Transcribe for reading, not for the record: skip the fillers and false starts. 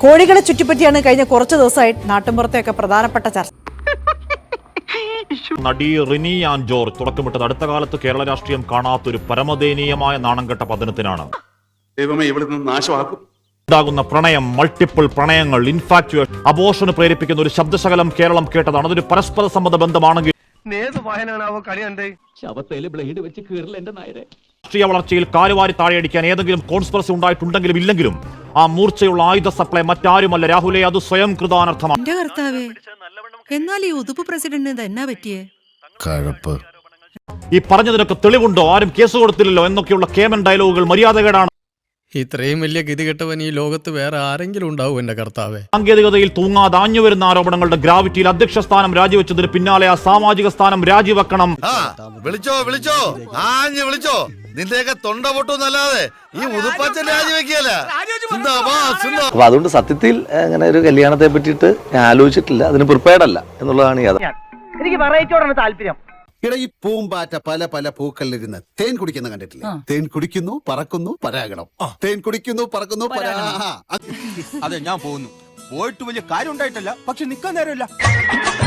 കോഴികളെ ചുറ്റിപ്പറ്റിയാണ് കഴിഞ്ഞ കുറച്ച് ദിവസമായി നാട്ടുമ്പുറത്തെയൊക്കെ പ്രധാനപ്പെട്ട ചർച്ച. നടി റിനി ആൻഡ് ജോർജ് തുടക്കമിട്ടത് അടുത്ത കാലത്ത് കേരള രാഷ്ട്രീയം കാണാത്തൊരു പരമദയനീയമായ നാണംകെട്ട പതനത്തിനാണ്. ഉണ്ടാകുന്ന പ്രണയം, മൾട്ടിപ്പിൾ പ്രണയങ്ങൾ, ഇൻഫാക്ച്വേഷൻ, അബോർഷന് പ്രേരിപ്പിക്കുന്ന ഒരു ശബ്ദശകലം കേരളം കേട്ടതാണ്. അതൊരു പരസ്പര സമ്മത ബന്ധമാണെങ്കിൽ രാഷ്ട്രീയ വളർച്ചയിൽ കാലുവാരി താഴെയടിക്കാൻ ഏതെങ്കിലും കോൺസ്പിറസി ഉണ്ടായിട്ടുണ്ടെങ്കിലും ഇല്ലെങ്കിലും ആ മൂർച്ചയുള്ള ആയുധ സപ്ലൈ മറ്റാരുമല്ല രാഹുലെ, അത് സ്വയം കൃതാനർത്ഥമാണ്. എന്നാൽ ഈ ഉതുപ്പ് പ്രസിഡന്റിന് എന്നാ പറ്റിയേ? ഈ പറഞ്ഞതിനൊക്കെ തെളിവുണ്ടോ? ആരും കേസ് കൊടുത്തില്ലല്ലോ എന്നൊക്കെയുള്ള കേമൻ ഡയലോഗുകൾ മര്യാദകേടാണ്. ഇത്രയും വലിയ ഗതികെട്ടവൻ ഈ ലോകത്ത് വേറെ ആരെങ്കിലും ഉണ്ടാവും എന്റെ കർത്താവേ? സാങ്കേതികതയിൽ തൂങ്ങാതെ ആഞ്ഞുവരുന്ന ആരോപണങ്ങളുടെ ഗ്രാവിറ്റിയിൽ അധ്യക്ഷ സ്ഥാനം രാജിവെച്ചതിന് പിന്നാലെ ആ സാമാജിക സ്ഥാനം രാജിവെക്കണം. നിന്റെയൊക്കെ തൊണ്ട പൊട്ടുന്നല്ലാതെ ഈ ഉതുപ്പാച്ചൻ രാജിവെക്കല. അപ്പൊ അതുകൊണ്ട് സത്യത്തിൽ അങ്ങനെ ഒരു കല്യാണത്തെ പറ്റിയിട്ട് ഞാൻ ആലോചിച്ചിട്ടില്ല, അതിന് പ്രിപ്പയർഡ് അല്ല എന്നുള്ളതാണ് യാഥാർത്ഥ്യം. എനിക്ക് വെറൈറ്റിയോടാണ് താല്പര്യം. ഇട ഈ പൂമ്പാറ്റ പല പല പൂക്കളിലിരുന്ന് തേൻ കുടിക്കുന്ന കണ്ടിട്ടില്ല? തേൻ കുടിക്കുന്നു, പറക്കുന്നു, പരാഗണം. തേൻ കുടിക്കുന്നു, പറക്കുന്നു, അതെ, ഞാൻ പോകുന്നു. പോയിട്ട് വലിയ കാര്യം ഉണ്ടായിട്ടല്ല, പക്ഷെ നിക്കാൻ നേരമില്ല.